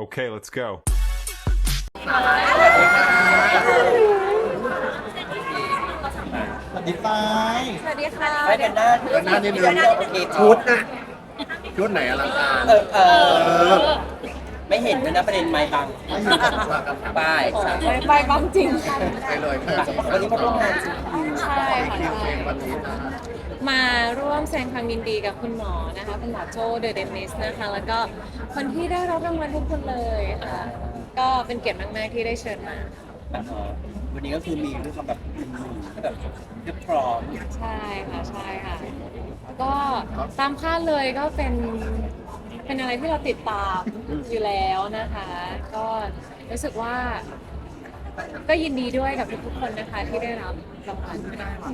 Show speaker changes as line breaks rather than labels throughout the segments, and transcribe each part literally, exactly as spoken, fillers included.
Okay, let's go.
สวัสดีฟ้าย
สวัสดีค่ะ
ไปเดินหน้า
เดินหน้านิดนึง
เดินหน้าโอเค
ชุดน่ะชุดไหนอลังการ
เออเออไม่เห็นด้วยนะประเด็นไม้บัง
ไม่อยู่กับว่ากัน
ป้ายสาม
ไปไปบ้างจริง
ไปเลยค่ะ
วันนี้มาร่วมงานจริง
ใช่ค่ะ
คิวเพล
ใช่
งวันนี้นะ
มาร่วมแสดงความยินดีกับคุณหมอนะคะคุณหมอโจเดอะเดนิสนะคะ แล้วก็คนที่ได้รับรางวัลทุกคนเลยค่ะ ก็เป็นเกียรติมากๆที่ได้เชิญมา
วันนี้ก็คือมีด้วยความแบบแบบเรียบพร้อม
ใช่ค่ะใช่ค่ะ ก็ตามคาดเลยก็เป็นเป็นอะไรที่เราติดตามอยู่แล้วนะคะ ก็รู้สึกว่า ก็ยินดีด้วยกับทุกๆคนนะคะที่ได้รับรางวัล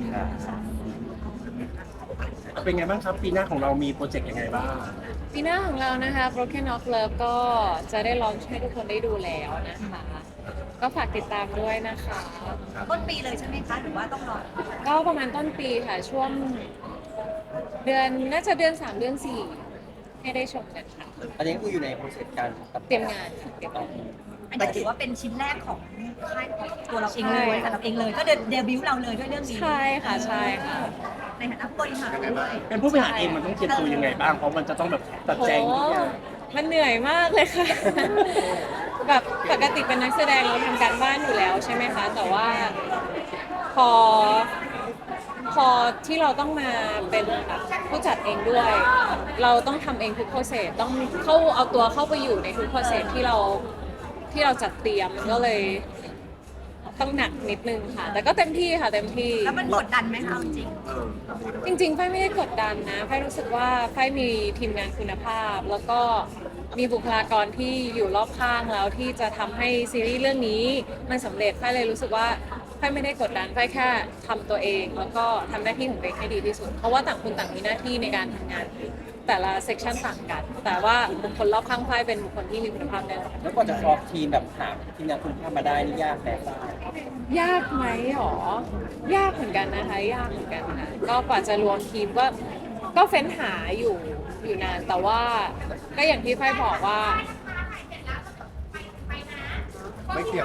เป็นไงบ้างครับปีหน้าของเรามีโปรเจกต์ยังไงบ้าง
ปีหน้าของเรานะคะ Broken of Love ก็จะได้ลอนช์ให้ทุกคนได้ดูแล้วนะคะ ก็ฝากติดตามด้วยนะคะ
ต้นปีเลยใช่ไหมคะ หรือว่าต้องรอ
ก็ประมาณต้นปีค่ะ ช่วงเดือนน่าจะเดือนสามเดือนสี่ให้ได้ชมกันค่ะ
อันนี้ก็คืออยู่ในโปรเซสการตัด
เตรียมงานค่ะเตรียมงาน
อันนี้ถือว่าเป็นชิ้นแรกของค่ายของตัวเราเองเลย
ใช่
สำหรับเองเลย ก็เดบิวต์เราเลยด้วยเรื่องนี้
ใช่ค่ะใช่ค่ะ
ในฐานะผู้บริหารด้วย
เป็นผู้บริหารเองมันต้องเตรียมตัวยังไงบ้าง เพราะมันจะต้องแบบตัด
โห
แจงทุกอย่าง
มันเหนื่อยมากเลยค่ะ แบบปกติเป็นนักแสดงเราทำการบ้านอยู่แล้วใช่ไหมคะ แต่ว่าพอ พอที่เราต้องมาเป็นแบบผู้จัดเองด้วย เราต้องทำเองทุกโปรเซสต้องเข้าเอาตัวเข้าไปอยู่ในทุกโปรเซสที่เราที่เราจัดเตรียมมันก็เลยต้องหนักนิดนึงค่ะ แต่ก็เต็มที่ค่ะเต็มที่
แล้วมันกดดันไหมคะเอาจริง
จริงๆไฟไม่ได้กดดันนะไฟรู้สึกว่าไฟมีทีมงานคุณภาพ แล้วก็มีบุคลากรที่อยู่รอบข้างแล้วที่จะทำให้ซีรีส์เรื่องนี้มันสำเร็จไฟเลยรู้สึกว่าไฟไม่ได้กดดันไฟแค่ทำตัวเอง แล้วก็ทำหน้าที่ของตัวเองให้ดีที่สุด เพราะว่าต่างคนต่างมีหน้าที่ในการทำงาน แต่ละเซกชันต่างกัน แต่ว่าบุคคลรอบข้างไฟเป็นบุคคลที่มีคุณภาพแน่นอน
แล้วกว่าจะครอบทีมแบบหาทีมงานคุณภาพมาได้นี่ยากแน่ป้าย
ยากไหมหรอ ยากเหมือนกันนะคะ ยากเหมือนกันค่ะ ก็กว่าจะรวมทีมก็ก็เฟ้นหาอยู่อยู่นาน แต่ว่าก็อย่างที่ไฟบอกว่า
ไม่เกี่ยว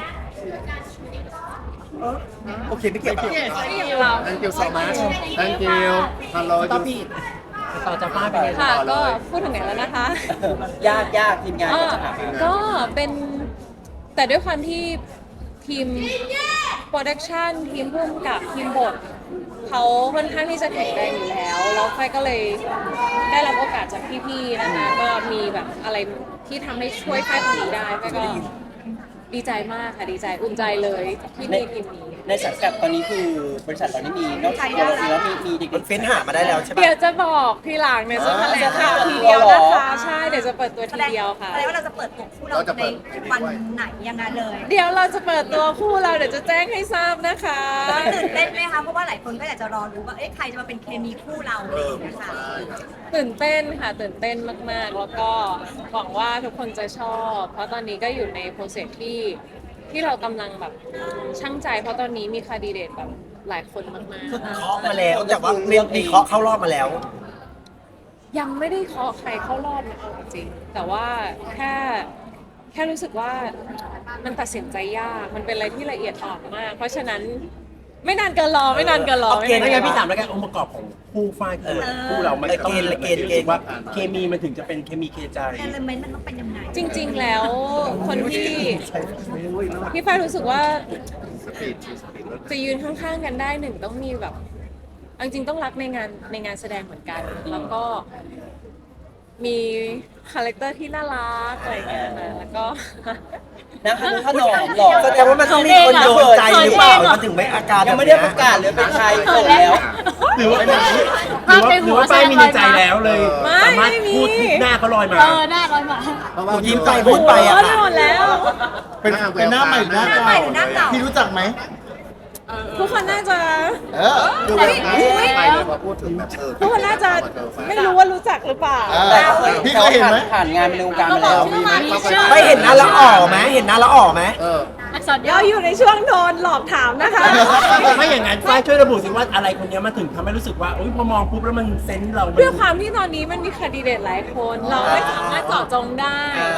โอเคไม่เกี่ยวกับ
ที่อย่างเรา
thank you so much thank you hello
ต่อพี่ต่อจากป้าเป็นไง
ค่ะ ก็พูดถึงไหนแล้วนะคะ
ยากยากทีมงาน
อ่า
ก็จะหามา
ก็เป็นแต่ด้วยความที่ทีมโปรดักชันทีมพุ่มกับทีมบทเขาค่อนข้างที่จะแข็งแรงอยู่แล้ว แล้วไฟก็เลยได้รับโอกาสจากพี่ๆนะคะก็มีแบบอะไรที่ทำให้ช่วยไฟตรงนี้ได้ไฟก็ดีใจมากค่ะดีใจอุ่นใจเลยที่มีทีมนี้
ในสังกัดตอนนี้คือบริษัทเรานี่มีนอกจากตัวเราแล้วมีมีเด็กๆ
เฟ้นหามาได้แล้วใช่ปะ
เดี๋ยวจะบอกทีหลังเนี่ยจะแถลงข่าว
อ่า
ทีเดียวนะคะใช่เดี๋ยวจะเปิดตัว
แส
ที
ดง
เดียวค่ะ
แสดงว่าเราจะเปิดตัวคู่เราในวันไหนยังไงเลย
เดี๋ยวเราจะเปิดตัวคู่เราเดี๋ยวจะแจ้งให้ทราบนะคะ
ตื่นเต้นไหมคะ เพราะว่าหลายคนก็อยากจะรอรู้ว่า เอ๊ะ ใครจะมาเป็นเคมีคู่เราอะไรอย่างเงี้ยค่ะ
ตื่นเต้นค่ะตื่นเต้นมากๆ แล้วก็หวังว่าทุกคนจะชอบ เพราะตอนนี้ก็อยู่ในโปรเซสที่ที่เรากำลังแบบช่างใจ เพราะตอนนี้มีคาดีเดตแบบหลายคนมาก
คือเคาะมาแล้วแต่ว่ามีมีเคาะเข้ารอบมาแล้ว
ๆ ยังไม่ได้เคาะใครเข้ารอบนะคะจริงๆแต่ว่าแค่แค่รู้สึกว่ามันตัดสินใจยากมันเป็นอะไรที่ละเอียดอ่อนมาก เพราะฉะนั้นไม่นานเกินรอไม่นานเกินรอ
เอาเกณฑ์
ไม่
นาน
งั้น
กิ
พี่
รอ
ถามแล้วกันองค์ประกอบของคู่ฟ้ายคู่
เออ
คู่เรามันจะต้องมี
เกณฑ์เกณฑ์
รู้สึกว่าเคมีมันถึงจะเป็นเคมีเคใจ
เอลเมนต์มันต้องเป็นยังไง
จริง ๆ แล้วคนที่พี่ฝ้ายรู้สึกว่า
สปีดสปีด
จะยืนข้างๆกันได้หนึ่งต้องมีแบบเอาจริงๆต้องรักในงานในงานแสดงเหมือนกัน แล้วก็มีคาแรคเตอร์ที่น่ารักอะไรอย่างเงี้ยนะแล้วก็
นะคะขนมหล่อ
แสดงว่ามันต้องมีคนโดนใจหรือเปล่ามันถึงไม่อาการ
ยังไม่ได้ประกาศเลยเป็นใครเกิดแล้ว
หรือว่าหรือว่าหรือว่าป้ายมีในใจแล้วเลย
ไม่
สามารถ
ไม่มี
พูดหน้าเขาลอยมา
เออหน้าร้อยมา
เพราะว่า
ยิ้มไปพูดไปอะ
โอ้
ค่ะ
ยหมดแล้ว
เป็นเป็นหน้าใหม่หรือหน้า
หน้าใหม่หรือหน้าเก่า
พี่รู้จักไหม
ทุกคนน่าจะ
เออดูแบบนี้
ไปเลยพอพูดถึงแบบเออ
ทุกคนน่าจะไม่รู้ว่ารู้จักหรือเปล่า
อ่า
แต่เคย
พี่เคยเห็นไหม
ผ่านงานในวงการมาแล้ว
มีไหม
ไม่เห็นหน้าแล้วอ๋อไหมเห็นหน้าแล้วอ๋อไหม
เออ
เราอยู่ในช่วงโดนหลอกถามนะคะ
ไม่อย่างนั้นฝ้ายช่วยระบุสิว่าอะไรคนเนี้ยมันถึงทำให้รู้สึกว่าอุ๊ยพอมองปุ๊บแล้วมันเซนส์เรามัน
ด้วยความที่ตอนนี้มันมีคดีเดตหลายคน เราไม่สามารถเจาะจงได้ แต่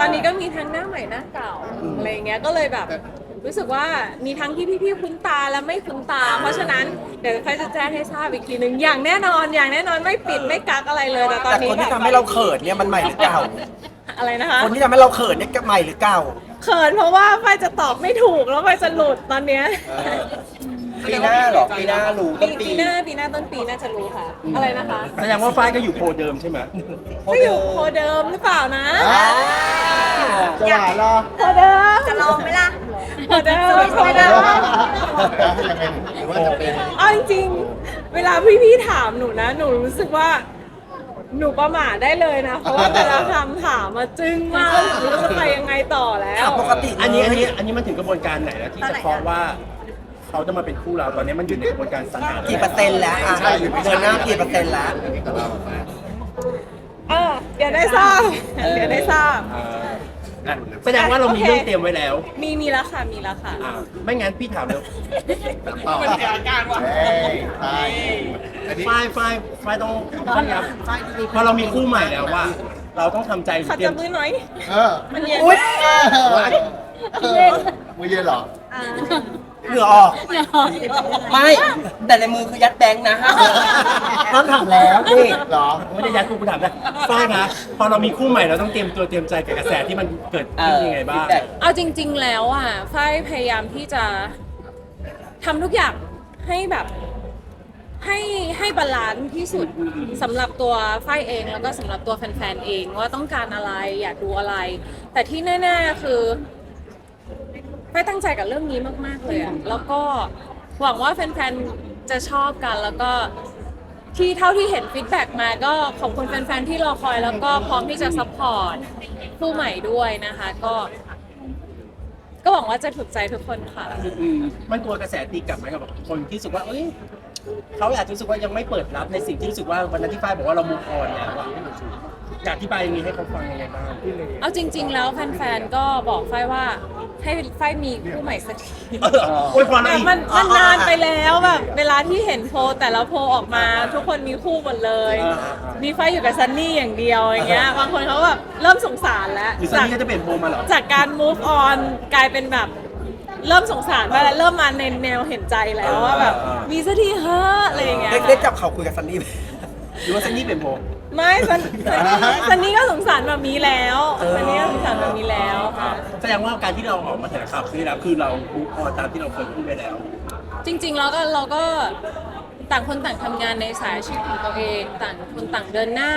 อนนี้ก็มีทั้งหน้าใหม่หน้าเก่าอะไรเงี้ยก็เลยแบบรู้สึกว่ามีทั้งที่พี่ๆคุ้นตาและไม่คุ้นตา เพราะฉะนั้นเดี๋ยวค่อยจะแจ้งให้ทราบอีกทีหนึ่งอย่างแน่นอนอย่างแน่นอนไม่ปิดไม่กักอะไรเลยแต่ตอน
แต่
นี้
คนที่ทำให้เราเขินเนี่ยมันใหม่หรือเก่า
อะไรนะคะ
คนที่ทำให้เราเขินเนี่ยใหม่หรือเก่า
เขินเพราะว่าไฟจะตอบไม่ถูกแล้วไฟจะหลุดตอนเนี้ย
ปีหน้าเหรอปีหน้ารู้ต้นปี
ปีหน้าปีหน้าต้นปีน่าจะรู้ค่ะ อะไรนะคะ
แสดงว่าฝ้ายก็อยู่โพลเดิมใช่ไหม
ก็อยู่โคเดิมหรือเปล่านะ
จะหวานเหรอ
โคเดิม
จะลองไหมล่ะ
โคเดิมโคเดิม
ยังไงหรือว่าจะเป็น
เอาจริงๆเวลาพี่ๆถามหนูนะ หนูรู้สึกว่า หนูประมาทได้เลยนะ เพราะว่าแต่ละคำถามมาจึ้งมากหนูจะไปยังไงต่อแล้ว
ปกติ
อันนี้อันนี้อันนี้มันถึงกระบวนการไหนแล้วที่จะเคาะว่าเขาจะมาเป็นคู่เราตอนนี้มันอยู่ในกระบวนการสรรหา
กี่เปอร์เซ็นต์แล้วอ่ะเดินหน้ากี่เปอร์เซ็นต์แล้ว
แต่เรามา
เออเดี๋ยวได้ทราบเดี๋ยวได้ทราบ
อ่าอ่ะแสดงว่าเรามีเรื่องเตรียมไว้แล้ว
มีมีแล้วค่ะมีแล้วค่ะ
อ่าไม่งั้นพี่ถามเลย
ต่อมันเสียอาการว่ะเฮ้ยใช่อันนี้
ฝ้ายฝ้ายฝ้ายต้องต้องรับพอเรามีคู่ใหม่แล้วว่า เราต้องทำใจหรือ
ขัด
เตรีย
จั
ม
บมือหน่อย
เออ
มันเย็น
อุ๊ย
เออมือเย็นเหรอ
อ่า
เหงื่อออก ไม่ แต่ในมือคือยัดแบงค์นะ
ต้องถามแล้วนี่
เหรอ
ไม่ได้ยัดกูกูถามนะฝ้ายนะพอเรามีคู่ใหม่เราต้องเตรียมตัวเตรียมใจกับกระแสที่มันเกิดขึ้นยังไงบ้าง
เอาจริง ๆ แล้วอ่ะฝ้ายพยายามที่จะทำทุกอย่างให้แบบให้ให้บาลานซ์ที่สุดสำหรับตัวฝ้ายเองแล้วก็สำหรับตัวแฟนๆเองว่าต้องการอะไรอยากดูอะไร แต่ที่แน่ๆคือฝ้ายตั้งใจกับเรื่องนี้มากๆเลยอะแล้วก็หวังว่าแฟนๆจะชอบกันแล้วก็ที่เท่าที่เห็นฟีดแบ็กมาก็ขอบคุณแฟนๆที่รอคอยแล้วก็พร้อมที่จะซัพพอร์ตคู่ใหม่ด้วยนะคะก็ ก็หวังว่าจะถูกใจทุกคนค่ะ
อืมมันกลัวกระแสตีกลับไหมกับคนที่รู้สึกว่าเอ้ยเขาอาจจะรู้สึกว่ายังไม่เปิดรับในสิ่งที่รู้สึกว่าวันนั้นที่ฝ้ายบอกว่าเรามูฟออนแล้วอะอยากอธิบายอย่างนี้ให้เขาฟังยังไงบ้าง
เอาจริง ๆ แล้วแฟนๆ ก็บอกฝ้ายว่าให้ฝ้ายมีคู่ใหม่สักที
โอ้ยพอแล้ว
แบบ
อีก
มันมันนานไปแล้วแบบเวลาที่เห็นโพลแต่ละโพลออกมา ทุกคนมีคู่หมดเลย มีฝ้ายอยู่กับซันนี่อย่างเดียวอย่างเงี้ย บางคนเขาแบบเริ่มสงสารแล้ว
หรือซันนี่ก็จะเปลี่ยนโพลมาเหรอ
จากการ move on กลายเป็นแบบเริ่มสงสารไปแล้วเริ่มมาในแนวเห็นใจแล้วว่าแบบมีสักทีเฮ้อะอะไรอย่างเงี้ย
ได้ได้จับเขาคุยกับซันนี่ไหม
หรือว่าซันนี่เปลี่ยนโพล
ไม่ซันซันนี่ซันนี่ก็สงสารแบบนี้แล้วซันนี่ก็สงสารแบบนี้แล้วค่ะ
แสดงว่าการที่เราออกมาแถลงข่าวคือแล้วคือเรามูฟออนตามที่เราเคยพูดไปแล้ว
จริงๆแล้วก็เราก็ต่างคนต่างทำงานในสายอาชีพของตัวเองต่างคนต่างเดินหน้า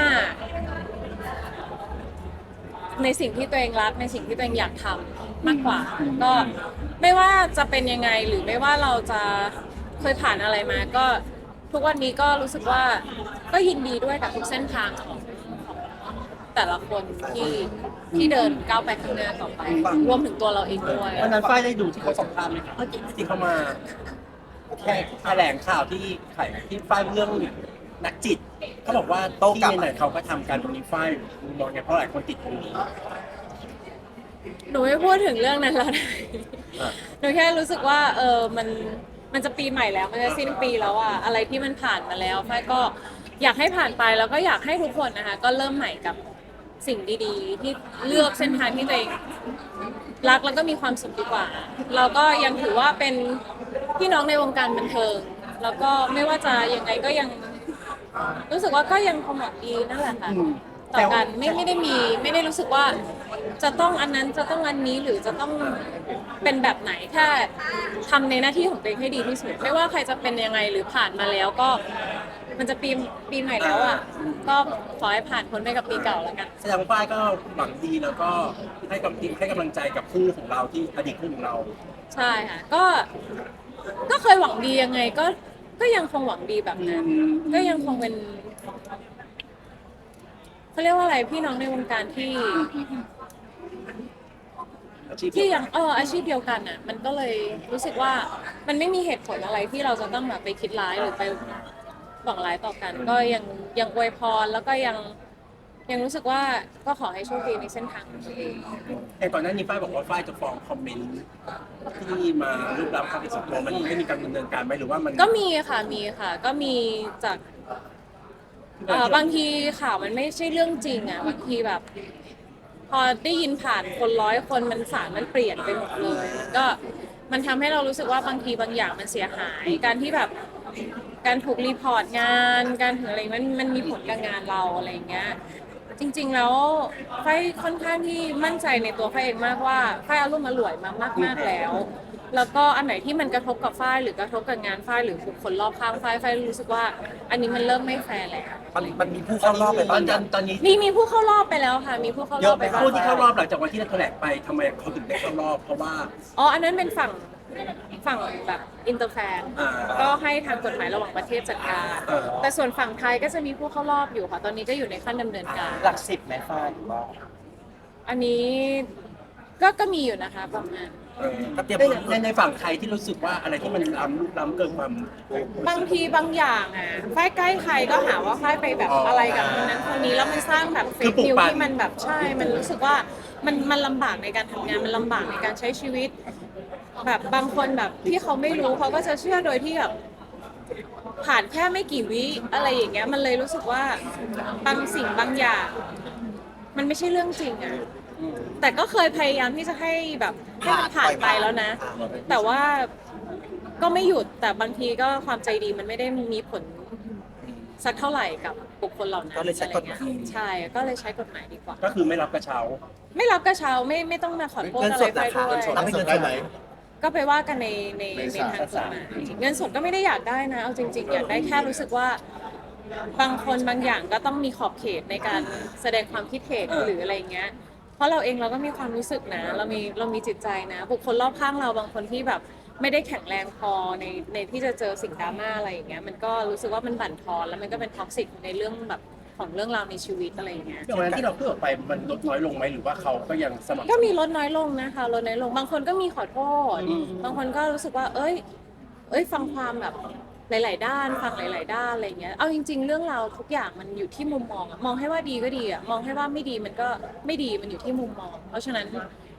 ในสิ่งที่ตัวเองรักในสิ่งที่ตัวเองอยากทำมากกว่า ก็ไม่ว่าจะเป็นยังไงหรือไม่ว่าเราจะเคยผ่านอะไรมา ก็ทุกวันนี้ก็รู้สึกว่าก็ยินดีด้วยกับทุกเส้นทางของแต่ละคนที่ที่เดินก้าวไปข้างหน้าต่อไปรวมถึงตัวเราเองด้วย
วันนั้นฝ้ายได้ดูที่เขาสัมภาษณ์ไหมครับที่เขามาแค่แถลงข่าวที่ไข่ที่ฝ้ายเรื่องนักจิตเขาบอกว่าโต๊ะที่ไหนๆเขาก็ทำการตรงนี้ฝ้ายมองไงเพราะหลายคนติดตรงนี้
หนูไม่พูดถึงเรื่องนั้นแล้วได้หนูแค่รู้สึกว่าเออมันมันจะปีใหม่แล้วมันจะสิ้นปีแล้วอะอะไรที่มันผ่านมาแล้วฝ้ายก็อยากให้ผ่านไปแล้วก็อยากให้ทุกคนนะคะก็เริ่มใหม่กับสิ่งดีๆ ที่เลือกเส้นทางที่ตัวเองรักแล้วก็มีความสุขดีกว่า เราก็ยังถือว่าเป็นพี่น้องในวงการบันเทิงแล้วก็ไม่ว่าจะยังไงก็ยังรู้สึกว่าก็ยังคงหวังดีนั่นแหละค่ะต่อกันไม่ไม่ได้มีไม่ได้รู้สึกว่าจะต้องอันนั้นจะต้องอันนี้หรือจะต้องเป็นแบบไหนแค่ทำในหน้าที่ของตัวเองให้ดีที่สุดไม่ว่าใครจะเป็นยังไงหรือผ่านมาแล้วก็มันจะปีปีใหม่แล้วอ่ะก็ขอให้ผ่านพ้นไปกับปีเก่าแล้วกัน
แสดงว่าฝ้ายก็หวังดีแล้วก็ให้กำลังให้กำลังใจกับคู่ของเราที่อดีตคู่ของเรา
ใช่ค่ะก็ก็เคยหวังดียังไงก็ก็ยังคงหวังดีแบบนั้นก็ยังคงเป็นเขาเรียกว่าอะไรพี่น้องในวงการที่
อาชีพ
ที่ยังเอออาชีพเดียวกันอ่ะมันก็เลยรู้สึกว่ามันไม่มีเหตุผลอะไรที่เราจะต้องแบบไปคิดร้ายหรือไปหวังร้ายต่อกัน ก็ยังยังอวยพรแล้วก็ยังยังรู้สึกว่าก็ขอให้โชคดีในเส้นทางของตัวเอง
แต่ก่อนหน้านี้ฝ้ายบอกว่าฝ้ายจะฟ้องคอมเมนต์ที่มารูปรับความเป็นส่วนตัวมันไม่มีการดำเนินการไหมหรือว่ามัน
ก็มีค่ะมีค่ะ ก็มีจากเอ่อบางทีข่าวมันไม่ใช่เรื่องจริงอ่ะบางทีแบบพอได้ยินผ่านคนร้อยคนมันสารมันเปลี่ยนไปหมดเลยมันก็มันทำให้เรารู้สึกว่าบางทีบางอย่างมันเสียหาย การที่แบบการถูกรีพอร์ตงานการถึงอะไรมันมันมีผลกับงานเราอะไรอย่างเงี้ยจริงๆแล้วไฟค่อนข้างที่มั่นใจในตัวไฟเองมากว่าไฟอารมณ์อร่วยมามากๆแล้ว แล้วก็อันไหนที่มันกระทบกับฝ้ายหรือกระทบกับงานฝ้ายหรือบุคคลรอบข้างฝ้ายฝ้ายรู้สึกว่า อันนี้มันเริ่มไม่แฟร์แล้ว
มันมันมีผู้เข้ารอบไป
ต
บ้า
อง น
ยั
ตอนนี้
มีมีผู้เข้ารอบไปแล้วค่ะ มีผู้เข้ารอบไปบ้าง
ผู้ที่เข้ารอบหลังจากวันที่เราแถลงไปทำไมเขาถึงได้เข้ารอบเพราะว่า
อ๋ออันนั้นเป็นฝั่งฝั่งแบบอินเตอร์แฟน
อ่า
ก็ให้ทางกฎหมายระหว่างประเทศจัดการ
เออ
แต่ส่วนฝั่งไทยก็จะมีผู้เข้ารอบอยู่ค่ะ ตอนนี้ก็อยู่ในขั้นดำเนินการ
หลักสิบไหมฟ้าหรือว่า
อันนี้ก็ก็มีอยู่นะคะประมาณ
เออในในฝั่งไทยที่รู้สึกว่าอะไรที่มันล้ำลุกล้ำเกินความ
บางทีบางอย่างอ่ะฝ้ายใกล้ใครก็หาว่าฝ้ายไปแบบอะไรกับคนนั้นคนนี้แล้วมันสร้างแบบเฟซนิวที่มันแบบใช่ มันรู้สึกว่ามันมันลำบากในการทำงานมันลำบากในการใช้ชีวิต แบบบางคนแบบที่เขาไม่รู้เขาก็จะเชื่อโดยที่แบบผ่านแค่ไม่กี่วิอะไรอย่างเงี้ยมันเลยรู้สึกว่าบางสิ่งบางอย่าง มันไม่ใช่เรื่องจริงอ่ะแต่ก็เคยพยายามที่จะให้แบบให้มันผ่านไปแล้วนะ แต่ว่าก็ไม่หยุดแต่บางทีก็ความใจดีมันไม่ได้มีผลสักเท่าไหร่กับบุคคลเหล่านั้น
ก็เลยใช้กฎหมาย
อะไรเงี้ใช่ก็เลยใช้กฎหมายดีกว่า
ก็คือไม่รับกระเช้า
ไม่รับกระเช้าไม่ไม่ต้องมาขอโทษอะไรไปด้วย
รับเงินได้ไหม
ก็ไปว่ากันในใน
ใน
ใน
ศาล
ทางกฎหมายเงินสดก็ไม่ได้อยากได้นะเอาจริง ๆ อยากได้แค่รู้สึกว่าบางคนบางอย่างก็ต้องมีขอบเขตในการแสดงความคิดเห็นหรืออะไรเงี้ย เพราะเราเองเราก็มีความรู้สึกนะ เรามีเรามีจิตใจนะ บุคคลรอบข้างเราบางคนที่แบบไม่ได้แข็งแรงพอในในที่จะเจอสิ่งดราม่าอะไรอย่างเงี้ยมันก็รู้สึกว่ามันบั่นทอนแล้วมันก็เป็นท็อกซิกในเรื่องแบบของเรื่องราวในชีวิตอะไรอย่างเงี้ย
อย่างวันนั้นที่เราพูดออกไปมันลดน้อยลงไหมหรือว่าเขาก็ยังสม่ำเสม
ก็
อ
มีลดน้อยลงนะคะลดน้อยลงบางคนก็มีขอโทษ บางคนก็รู้สึกว่า เอ้ย เอ้ยฟังความแบบหลาย ๆ ด้าน ฟังหลาย ๆ ด้านอะไรเงี้ยเอาจริง ๆ เรื่องราวทุกอย่างมันอยู่ที่มุมมองอะมองให้ว่าดีก็ดีอะมองให้ว่าไม่ดีมันก็ไม่ดีมันอยู่ที่มุมมอง เพราะฉะนั้น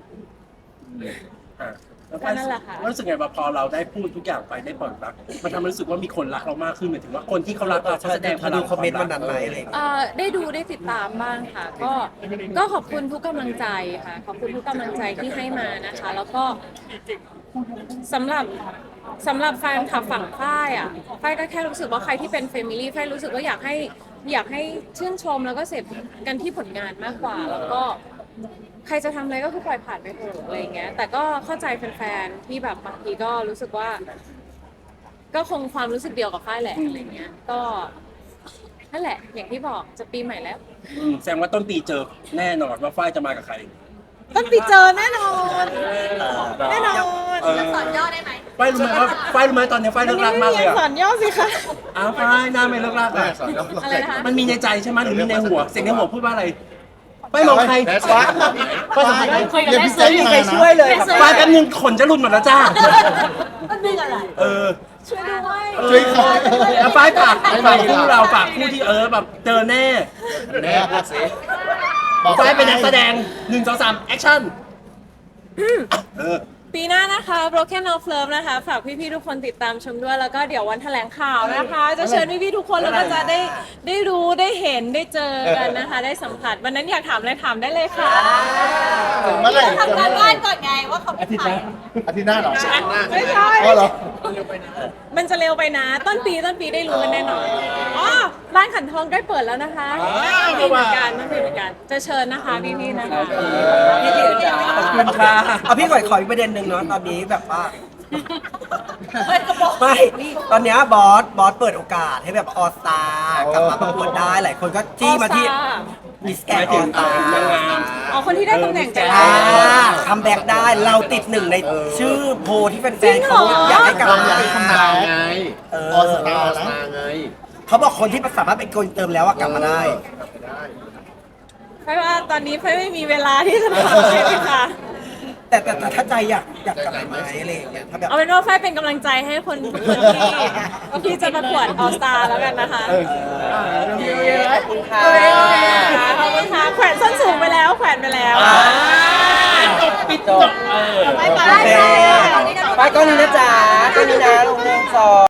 อ่ะแล้ว
ก็นั่นแหละค่ะ
รู้สึกไงว่าพอเราได้พูดทุกอย่างไปได้เปิดรักมันทำให้รู้สึกว่ามีคนรักเรามากขึ้นหมายถึงว่าคนที่เขารักเราเขาแสดงพ
ถ้า
ลั
ดู
ง
คอมเมนต์วันนั้นไหมอะไรอย่างเงี้ย
เอ่อได้ดูได้ติดตามบ้างค่ะ ก็ก็ขอบคุณทุกกำลังใจค่ะ ขอบคุณทุกกำลังใจที่ให้มานะคะ แล้วก็สำหรับสำหรับแฟนคลับฝั่งฝ้ายอ่ะฝ้ายก็แค่รู้สึกว่าใครที่เป็นเฟมิลี่ฝ้ายรู้สึกว่าอยากให้อยากให้ชื่นชมแล้วก็เสพกันที่ผลงานมากกว่า แล้วก็ใครจะทำอะไรก็คือปล่อยผ่านไปเถอะอะไรอย่างเงี้ย แต่ก็เข้าใจแฟนๆที่แบบบางทีก็รู้สึกว่า ก็คงความรู้สึกเดียวกับฝ้ายแหละอะไรเงี้ย ก็นั่นแหละ อย่างที่บอกจะปีใหม่แล้ว
อืมแสดงว่าต้นปีเจอแน่นอนว่าฝ้ายจะมากับใคร
ต้นปีเจอแน่นอนแน่นอน
เออ
สอนย่อได้ไหม
ฝ้ายรู้ไหมว่าฝ้ายรู้ไหมตอนนี้ฝ้ายเลิกรักมากเลยอ่ะ
สอนย่อสิคะ
อ้าวฝ้ายหน้าไม่เลิกรัก
ได้
อ่ะ
สอนแล้ว
อะไรนะคะ
มันมีในใจใช่ไหมหรือมีในหัวเสียงในหัวพูดว่าอะไรฝ้ายมองใคร
แพสวะ
ฝ้ายสัมผัสได้
คุยกับ
เดี๋ยว
แม่
พี่
ซื้
แจ๊
อ
ค
ใคร
มา
ช่วย
นะ
เลยครับ
ฝ้ายแป๊บนึงขนจะหลุดหมดแล้วจ้า
มันดึงอะไร
เออ
ช่วยด้วย
ช่วยเขา
แล้วฝ้ายฝากฝากคู่เราฝากคู่ที่เออแบบเจอแน่
แน่พูดสิ
ฝ้ายเป็นนักแสดงหนึ่งสองสามแอคชั่นเออ
ปีหน้านะคะ Broken of Love นะคะ ฝากพี่ๆทุกคนติดตามชมด้วย แล้วก็เดี๋ยววันแถลงข่าวนะคะ จะเชิญพี่ๆทุกคนแล้วก็จะได้ได้รู้ได้เห็นได้เจอกันนะคะ ได้สัมผัสวันนั้นอยากถามอะไรถามได้เลยค่ะ
ถึงเมื่อไหร่
ทำการบ้านก่อนไงว่าเขาเป็นใคร
อาทิตย์หน้าเหรอ
ไม่ใช่
อ๋อเหรอ
มันจะเร็วไปนะ ต้นปีต้นปีได้รู้กันแน่นอนอ๋อร้านขันทองใกล้เปิดแล้วนะคะต้นปีเหมือนกันต้นปีเหมือนกัน จะเชิญนะคะพี่ๆนะคะ
พี่เดียวจ้า
ขอบคุณค่ะ
เอาพี่ขอขออีกประเด็นหนึ่งเนาะตอนนี้แบบว่าไม่ตอนเนี้ยบอสบอสเปิดโอกาสให้แบบออสตากลับมาประกวดได้หลายคนก็จี้มาที่มิสแกนออสตา
หมายถึงนางงาม
อ๋อคนที่ได้ตำแหน่งจาก
อ่าคัมแบ็กได้เราติดหนึ่งในชื่อโพลที่แฟนๆเขาอยากให้กลับ
เรา
มา
อยากให้คำนาวไง
เออ
ออสตาร์นะไง
เขาบอกคนที่สามารถเป็นคนเติมแล้วอะกลับมาได้
เพราะว่าตอนนี้เพื่อไม่มีเวลาที่จะทำเลยค่ะ
แต่แต่แต่ถ้าใจอยากอยากกลับมาไหมอะไรอย่างเงี้ยถ้าแบบ
เอาเป็นว่าฝ้ายเป็นกำลังใจให้คนคนที่ที่จะประกวดออสตาแล้วกันนะคะ
ขอบคุณค่ะ
ขอบคุณค่ะแขวนส้นสูงไปแล้วแขวนไปแล้ว
จบปิดจบเออ
ไปไป
โอเค
ไป
ไปก้อนนี้นะจ๊ะก้อนนี้นะลงหนึ่งสอง